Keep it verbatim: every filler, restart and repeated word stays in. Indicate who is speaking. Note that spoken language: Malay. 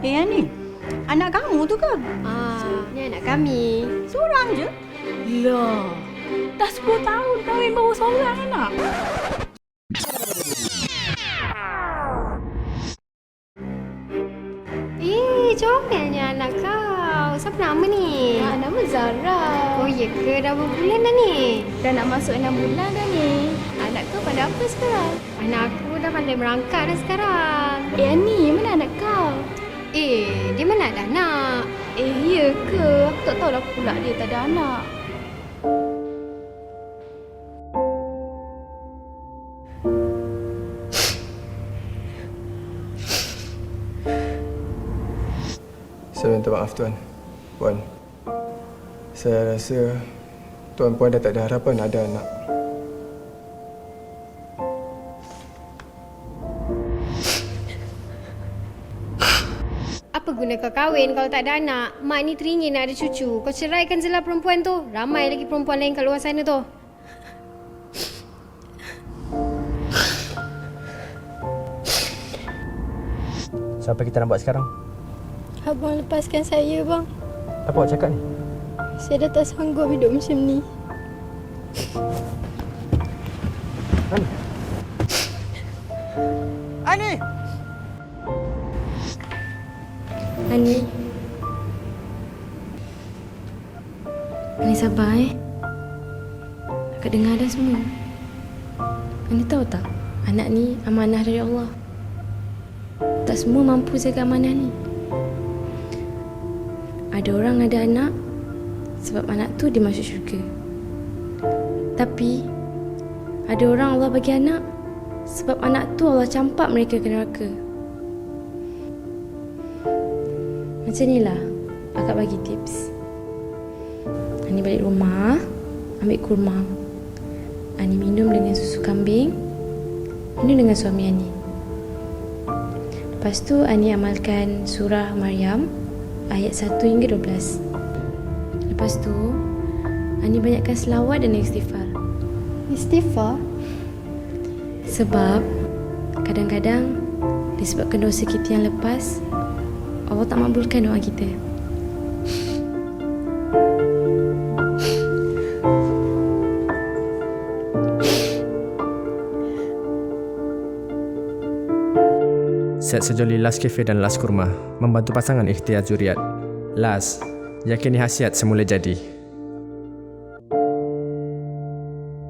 Speaker 1: Eh, ni anak kamu tu ke?
Speaker 2: Ah, ni anak kami.
Speaker 1: Seorang je?
Speaker 3: Lah, dah sepuluh tahun kahwin baru seorang anak.
Speaker 2: Eh, comelnya anak kau. Siapa nama ni?
Speaker 3: Ah, nama Zara.
Speaker 2: Oh, ya ke? Dah berapa bulan dah ni?
Speaker 3: Dah nak masuk enam bulan dah ni. Anak kau pada apa sekarang?
Speaker 2: Anak aku dah pandai merangkak dah sekarang.
Speaker 3: Eh, Ani, mana anak kau?
Speaker 2: Eh, dia mana ada anak?
Speaker 3: Eh, ya ke? Aku tak tahulah pula dia tak ada anak.
Speaker 4: Saya minta maaf Tuan. Puan. Saya rasa Tuan Puan dah tak ada harapan ada anak.
Speaker 2: Apa guna kau kahwin kalau tak ada anak? Mak ni teringin nak ada cucu. Kau ceraikan je lah perempuan tu. Ramai lagi perempuan lain kat luar sana tu.
Speaker 5: So, apa kita nak buat sekarang?
Speaker 6: Abang lepaskan saya, bang.
Speaker 5: Apa awak cakap ni?
Speaker 6: Saya dah tak sanggup hidup macam ni.
Speaker 5: Ani! Ani!
Speaker 6: Ani. Ani sabar eh. Akak dengar dah semua. Ani tahu tak? Anak ni amanah dari Allah. Tak semua mampu jaga amanah ni. Ada orang ada anak sebab anak tu dia masuk syurga. Tapi ada orang Allah bagi anak sebab anak tu Allah campak mereka ke neraka. Macam ni lah akak bagi tips. Ani balik rumah, ambil kurma. Ani minum dengan susu kambing, minum dengan suami Ani. Lepas tu Ani amalkan surah Maryam ayat satu hingga dua belas. Lepas tu Ani banyakkan selawat dan istighfar. Istighfar? Sebab kadang-kadang disebabkan dosa kita yang lepas, Allah tak makbulkan doa kita.
Speaker 5: Set sejoli Las Cafe dan Las Kurma membantu pasangan ikhtiar zuriat. Las, yakini hasiat semula jadi.